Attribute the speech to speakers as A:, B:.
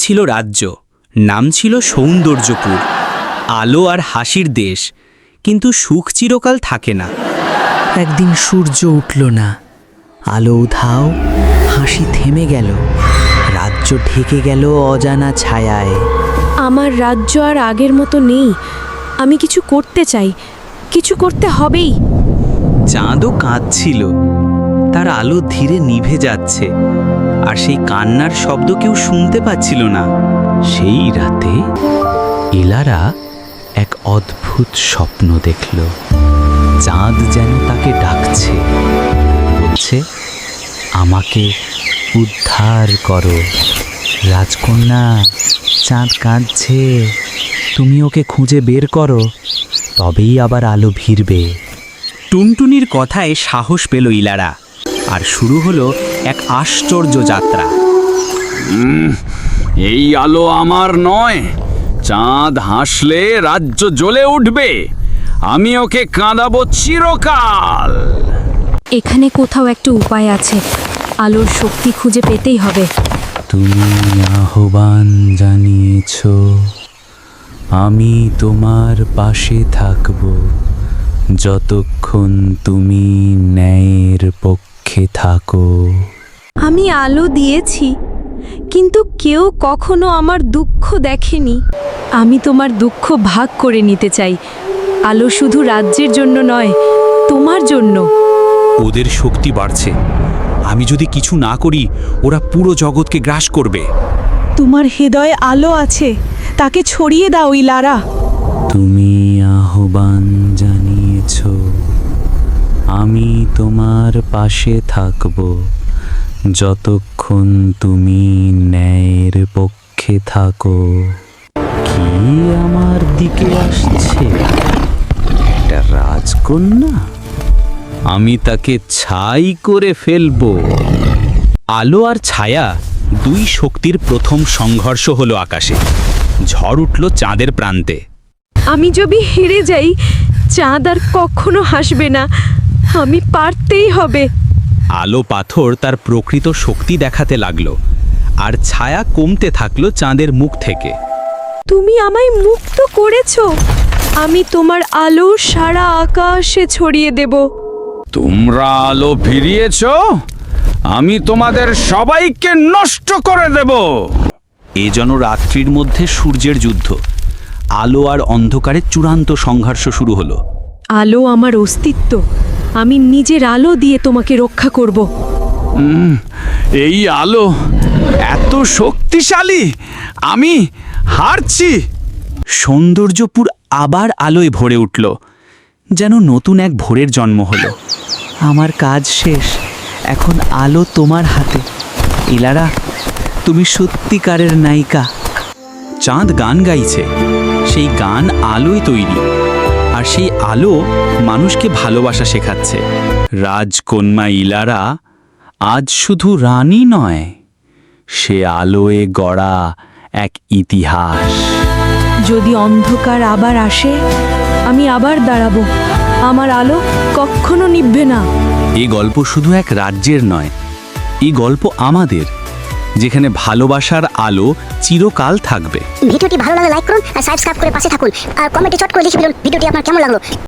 A: ছিল রাজ্য, নাম ছিল সৌন্দর্যপুর। আলো আর হাসির দেশ, কিন্তু সুখ চিরকাল থাকে না।
B: একদিন সূর্য উঠল না, আলো উধাও, হাসি থেমে গেল, রাজ্য ঢেকে গেল অজানা ছায়ায়।
C: আমার রাজ্য আর আগের মতো নেই। আমি কিছু করতে চাই, কিছু করতে হবেই।
A: চাঁদও কাঁদছিল, তার আলো ধীরে নিভে যাচ্ছে, আর সেই কান্নার শব্দ কেউ শুনতে পাচ্ছিল না। সেই রাতে ইলারা এক অদ্ভুত স্বপ্ন দেখল। চাঁদ যেন তাকে ডাকছে, বলছে, আমাকে উদ্ধার করো রাজকন্যা, চাঁদ কাঁদছে, তুমি ওকে খুঁজে বের করো, তবেই আবার আলো ভিড়বে। টুনটুনির কথায় সাহস পেল ইলারা, আর শুরু হলো এক আশ্চর্য যাত্রা।
D: এই আলো আমার নয়, চাঁদ হাসলে রাজ্য জ্বলে উঠবে, আমি ওকে কাঁদাবো চিরকাল।
C: এখানে কোথাও একটা উপায় আছে, আলোর শক্তি খুঁজে পেতেই হবে।
A: তুমি আহ্বান জানিয়েছ, আমি তোমার পাশে থাকব, যতক্ষণ তুমি ন্যায়ের পক্ষে থাকো।
C: আমি আলো দিয়েছি, কিন্তু কেউ কখনো আমার দুঃখ দেখেনি। আমি তোমার দুঃখ ভাগ করে নিতে চাই। আলো শুধু রাজ্যের জন্য নয়, তোমার জন্য।
A: ওদের শক্তি বাড়ছে, আমি যদি কিছু না করি ওরা পুরো জগৎকে গ্রাস করবে।
E: তোমার হৃদয়ে আলো আছে, তাকে ছড়িয়ে দাও ইলারা।
A: তুমি আহ্বান জানিয়েছ, আমি তোমার পাশে থাকব, যতক্ষণ তুমি ন্যায়ের পক্ষে থাকো। কি আমার দিকে আসছে? একটা রাজকন্যা, আমি তাকে ছাই করে ফেলব। আলো আর ছায়া, দুই শক্তির প্রথম সংঘর্ষ হলো আকাশে। ঝড় উঠল চাঁদের প্রান্তে।
C: আমি যদি হেরে যাই, চাঁদ আর কখনো হাসবে না। আমি পারতেই হবে।
A: আলো পাথর তার প্রকৃত শক্তি দেখাতে লাগলো, আর ছায়া কমতে থাকলো চাঁদের মুখ থেকে।
C: তুমি আমায় মুক্ত করেছো, আমি তোমার আলো সারা আকাশে ছড়িয়ে দেব।
D: তোমরা আলো ফিরিয়েছ, আমি তোমাদের সবাইকে নষ্ট করে দেব।
A: এ যেন রাত্রির মধ্যে সূর্যের যুদ্ধ। আলো আর অন্ধকারের চূড়ান্ত সংঘর্ষ শুরু হলো।
C: আলো আমার অস্তিত্ব, আমি নিজের আলো দিয়ে তোমাকে রক্ষা করব।
D: এই আলো এত শক্তিশালী, আমি হারছি।
A: সৌন্দর্যপুর আবার আলোয় ভরে উঠল, যেন নতুন এক ভোরের জন্ম হলো।
B: আমার কাজ শেষ, এখন আলো তোমার হাতে। ইলারা, তুমি সত্যিকারের নায়িকা।
A: চাঁদ গান গাইছে, সেই গান আলোয় তৈরি, আর সেই আলো মানুষকে ভালোবাসা শেখাচ্ছে। রাজকন্যা ইলারা আজ শুধু রানী নয়, সে আলোয় গড়া এক ইতিহাস।
C: যদি অন্ধকার আবার আসে, আমি আবার দাঁড়াবো। আমার আলো কখনো নিভবে না।
A: এই গল্প শুধু এক রাজ্যের নয়, এই গল্প আমাদের, যেখানে ভালোবাসার আলো চিরকাল থাকবে।
F: ভিডিওটি ভালো লাগলে লাইক করুন আর সাবস্ক্রাইব করে পাশে থাকুন, আর কমেন্টে চট করে লিখে বলুন ভিডিওটি আপনার কেমন লাগলো।